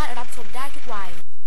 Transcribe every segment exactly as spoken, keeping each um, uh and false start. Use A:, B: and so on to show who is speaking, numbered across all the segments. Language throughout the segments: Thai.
A: ารถรับชมได้ทุกวัย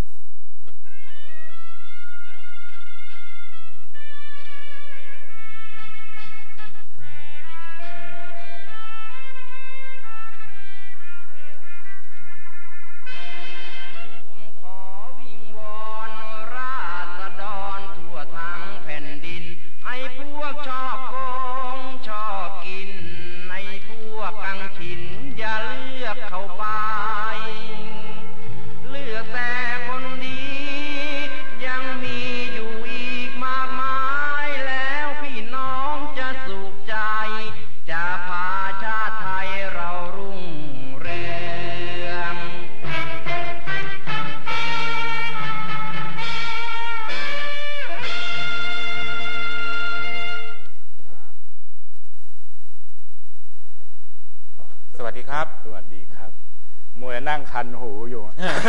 B: สวัสดีครับ
C: สวัสดีครับมัวนั่งคันหูอยู่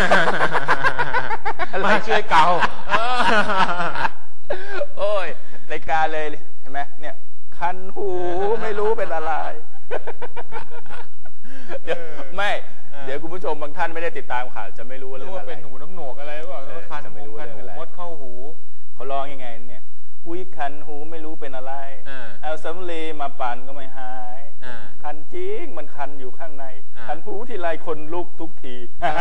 B: มาช่วยเกา
C: โอ้ยรายการเลยเห็นไหมเนี่ยคันหูไม่รู้เป็นอะไรเดี๋ยวไม่เดี๋ยวคุณผู้ชมบางท่านไม่ได้ติดตามข่าวจะไม่รู้เรื่องอะไร
B: เป็นหูน้ำหนวกอะไรหรือเปล่าคันหูคันหูมดเข้าหู
C: เขาร้องยังไงเนี่ยอุ้ยคันหูไม่รู้เป็นอะไรเอาสำลีมาปั่นก็ไม่หายคันจริงมันคันอยู่ข้างในคันหูทีไรคนลุกทุกที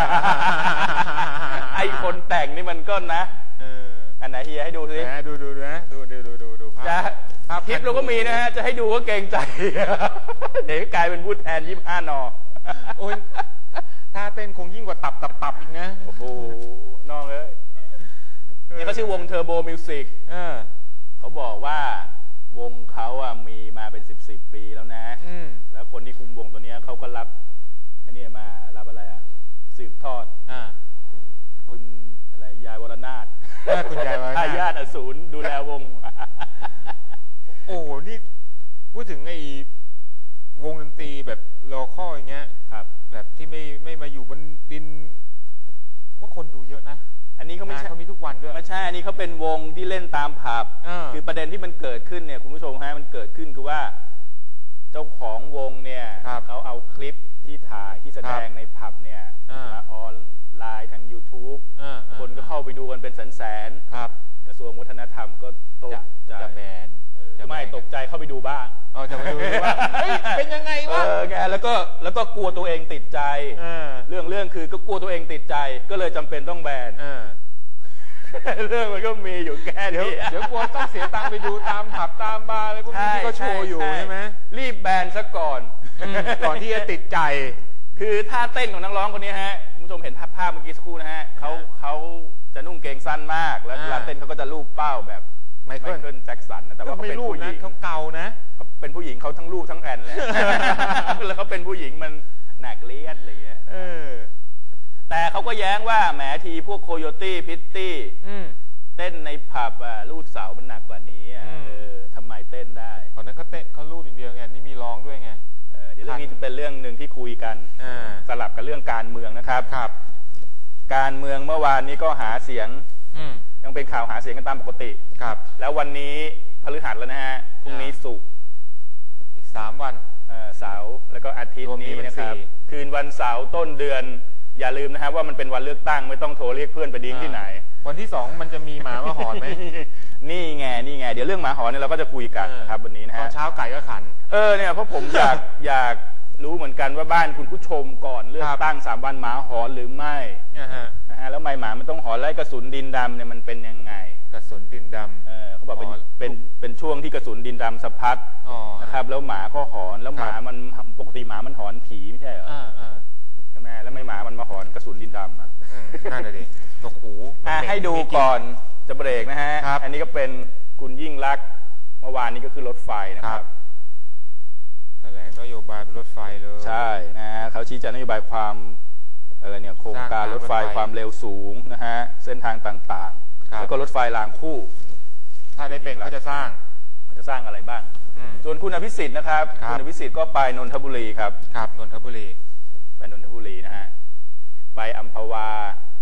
C: ไอคนแต่งนี่มันก็นะอันไหนเฮียให้ดูสิ
B: ดูดูดูนะดูดูดูดูดูภาพ
C: ภาพคลิปเราก็มีนะฮะจะให้ดูก็เกรงใจเดี๋ยวกลายเป็นพูดแทนยี่สิบห้านอ
B: โอ้ยถ้าเต้นคงยิ่งกว่าตับตับตับอีกนะ
C: โอ้โหน้องเอ้ยนี่เขาชื่อวงเทอร์โบมิวสิกเขาบอกว่าวงเขาอ่ะมีมาเป็นสิบสิบปีแล้วนะแล้วคนที่คุมวงตัวนี้เขาก็รับอันนี้มารับอะไรอ่ะสืบทอดคุณอะไรยายวรนาถ
B: คุณยายวรนาถ
C: ทายาทอสูรดูแลวง
B: โอ้โหนี่พูดถึงไอ้วงดนตรีแบบโลคอลอย่างเงี้ย
C: ครับ
B: แบบที่ไม่ไม่มาอยู่บนดินว่าคนดูเยอะนะ
C: อันนี้เขาไม่ใช่
B: เขามีทุกวันด้วย
C: ไม่ใช่อันนี้เขาเป็นวงที่เล่นตามผับคือประเด็นที่มันเกิดขึ้นเนี่ยคุณผู้ชมฮะมันเกิดขึ้นคือว่าเจ้าของวงเนี่ยเขาเอาคลิปที่ถ่ายที่แสดงในผับเนี่ยมาออนไลน์ทาง ยูทูบ คนก็เข้าไปดูกันเป็นแสนๆกระทรวงวัฒนธรรมก็ตกใจ
B: จะแบน
C: ไม่ตกใจเข้าไปดูบ้าง
B: อ๋อจะไปดูว่าเป็นยังไงวะ
C: เออไงแล้วก็แล้วก็กลัวตัวเองติดใจเรื่องเรื่องคือก็กลัวตัวเองติดใจก็เลยจำเป็นต้องแบนเรื่องมันก็มีอยู่แค่นี้
B: เดี๋ยวกลัวต้องเสียตังค์ไปดูตามผับตามบาร์อะไรพวกนี้ที่เขาโชว์อยู่ใช่ไหม
C: รีบแบนซะก่อน
B: ก่อนที่จะติดใจ
C: คือท่าเต้นของนักร้องคนนี้ฮะคุณผู้ชมเห็นภาพภาพเมื่อกี้สักครู่นะฮะเขาเขาจะนุ่งเกงสั้นมากแล้วเวลาเต้นเขาก็จะลูบเป้าแบบไมเคิลแจ็คสันนะแต่ว่าเขาเป็นผู้หญิง
B: เขาเกานะ
C: เป็นผู้หญิงเขาทั้งลูกทั้งแอนเลยแล้วเขาเป็นผู้หญิงมันหนักเลียดอะไรเงี้ยแต่เขาก็แย้งว่าแหมทีพวกโคโยตี้พิตตี้เต้นในผับอ่ะลูดเสามันหนักกว่านี้เออทำไมเต้นได้
B: ตอนนั้นเขาเต้นเขาลูดอย่างเดียวไงนี่มีร้องด้วยไง
C: เดี๋ยวเรื่องนี้จะเป็นเรื่องหนึ่งที่คุยกันสลับกับเรื่องการเมืองนะครับ
B: ครับ
C: การเมืองเมื่อวานนี้ก็หาเสียงยังเป็นข่าวหาเสียงกันตามปกติ
B: ครับ
C: แล้ววันนี้พฤหัสแล้วนะฮะพรุ่งนี้ศุกร์
B: อีกสามวัน
C: เสาร์แล้วก็อาทิตย์นี้นะครับคืนวันเสาร์ต้นเดือนอย่าลืมนะครับว่ามันเป็นวันเลือกตั้งไม่ต้องโทรเรียกเพื่อนไปดิ้งที่ไหน
B: วันที่สองมันจะมีหมามาหอนไหม
C: นี่ไงนี่ไงเดี๋ยวเรื่องหมาหอนเนี่ยเราก็จะคุยกันนะครับวันนี้นะฮะ
B: ตอนเช้าไก่ก็ขัน
C: เออเนี่ยเพราะผมอยากอยากรู้เหมือนกันว่าบ้านคุณผู้ชมก่อนเลือกตั้งสามวันหมาหอนหรือไม่นะฮะแล้วไม่หมามันต้องหอนไล่กระสุนดินดำเนี่ยมันเป็นยังไง
B: กระสุนดินดำ
C: เออเขาบอกเป็นเป็นเป็นช่วงที่กระสุนดินดำสะพัดนะครับแล้วหมาก็หอนแล้วหมามันปกติหมามันหอนผีไม่ใช่เหรอใช่ไหมแล้วไม่หมามันมาหอนกระสุนดินดำอ่ะ
B: นั่นเลยดิโอ้โห
C: ให้ดูก่อนจะเบรกนะฮะอันนี้ก็เป็นคุณยิ่งลักษณ์เมื่อวานนี้ก็คือรถไฟนะครับ
B: แถลงนโยบายรถไฟเลย
C: ใช่นะฮะเขาชี้แจงนโยบายความอะไรเนี่ยโครงการรถไฟความเร็วสูงนะฮะเส้นทางต่างๆแล้วก็รถไฟรางคู่
B: ถ้าได้เป็นเขาจะสร้าง
C: เขาจะสร้างอะไรบ้างส่วนคุณอภิสิทธิ์นะครับคุณอภิสิทธิ์ก็ไปนนทบุรีครับ
B: ครับนนทบุรี
C: ไปนนทบุรีนะฮะไปอัมพวา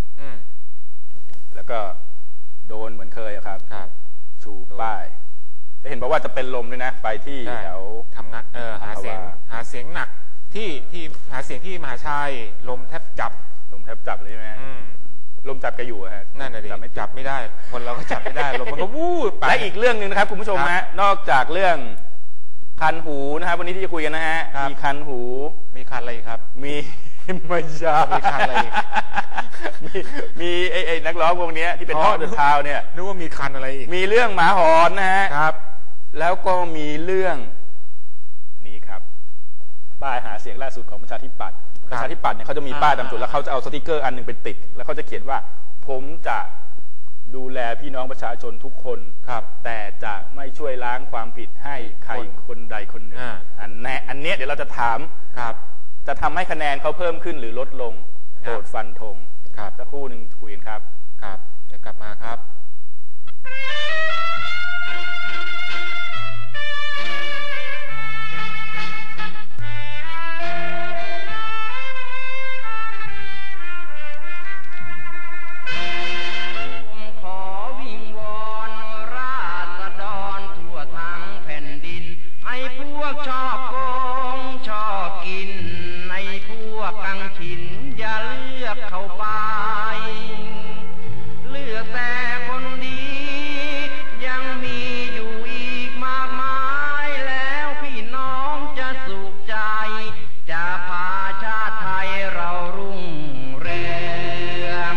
C: แล้วก็โดนเหมือนเคยครับชูป้ายได้เห็นบอกว่าจะเป็นลมด้วยนะไปที่แถว
B: ทำงานเออหาเสียงหาเสียงหนักที่ที่หาเสียงที่มหาชัยลมแทบจับ
C: ลมแทบจับเลยใช่ไหมลมจับแกอยู่ฮะ
B: นั่นน่ะดิจับไม่จับไม่ได้คนเราก็จับไม่ได้ลมมันก็วูบไป
C: และอีกเรื่องหนึ่งนะครับคุณผู้ชมฮะนอกจากเรื่องคันหูนะครับวันนี้ที่จะคุยกันนะฮะมีคันหู
B: มีคันอะไรครับ
C: มีไม่ใช่
B: มีคันอะไร
C: มีมีไอ้ไอ้นักร้องวงนี้ที่เป็นทอดเดินเท้าเนี่ย
B: นึกว่ามีคันอะไรอีก
C: มีเรื่องหมาหอนนะฮะ
B: ครับ
C: แล้วก็มีเรื่องนี้ครับป้ายหาเสียงล่าสุดของประชาธิปัตย์ประชาธิปัตย์เนี่ยเขาจะมีป้ายตามจุดแล้วเขาจะเอาสติกเกอร์อันนึงไปติดแล้วเขาจะเขียนว่าผมจะดูแลพี่น้องประชาชนทุกคน
B: ครับ
C: แต่จะไม่ช่วยล้างความผิดให้ใครคนใดคนหนึ่งอันแน่อันเนี้ยเดี๋ยวเราจะถาม
B: ครับ
C: จะทำให้คะแนนเขาเพิ่มขึ้นหรือลดลงโปรดฟันธง
B: ครับ
C: สักครู่หนึ่งคุยกันครับ
B: ครับเดี๋ยวกลับมาครับ
A: ชอบโกงชอบกินในพวกกังขินอย่าเลือกเข้าไปเลือกแต่คนดียังมีอยู่อีกมากมายแล้วพี่น้องจะสุขใจจะพาชาติไทยเรารุ่งเรือง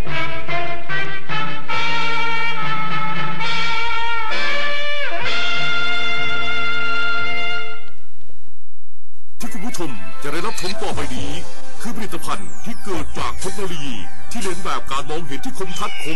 D: ที่คุณผู้ชมจะได้รับชมต่อไปนี้คือผลิตภัณฑ์ที่เกิดจากเทคโนโลยีที่เน้นแบบการมองเห็นที่คมชัดคม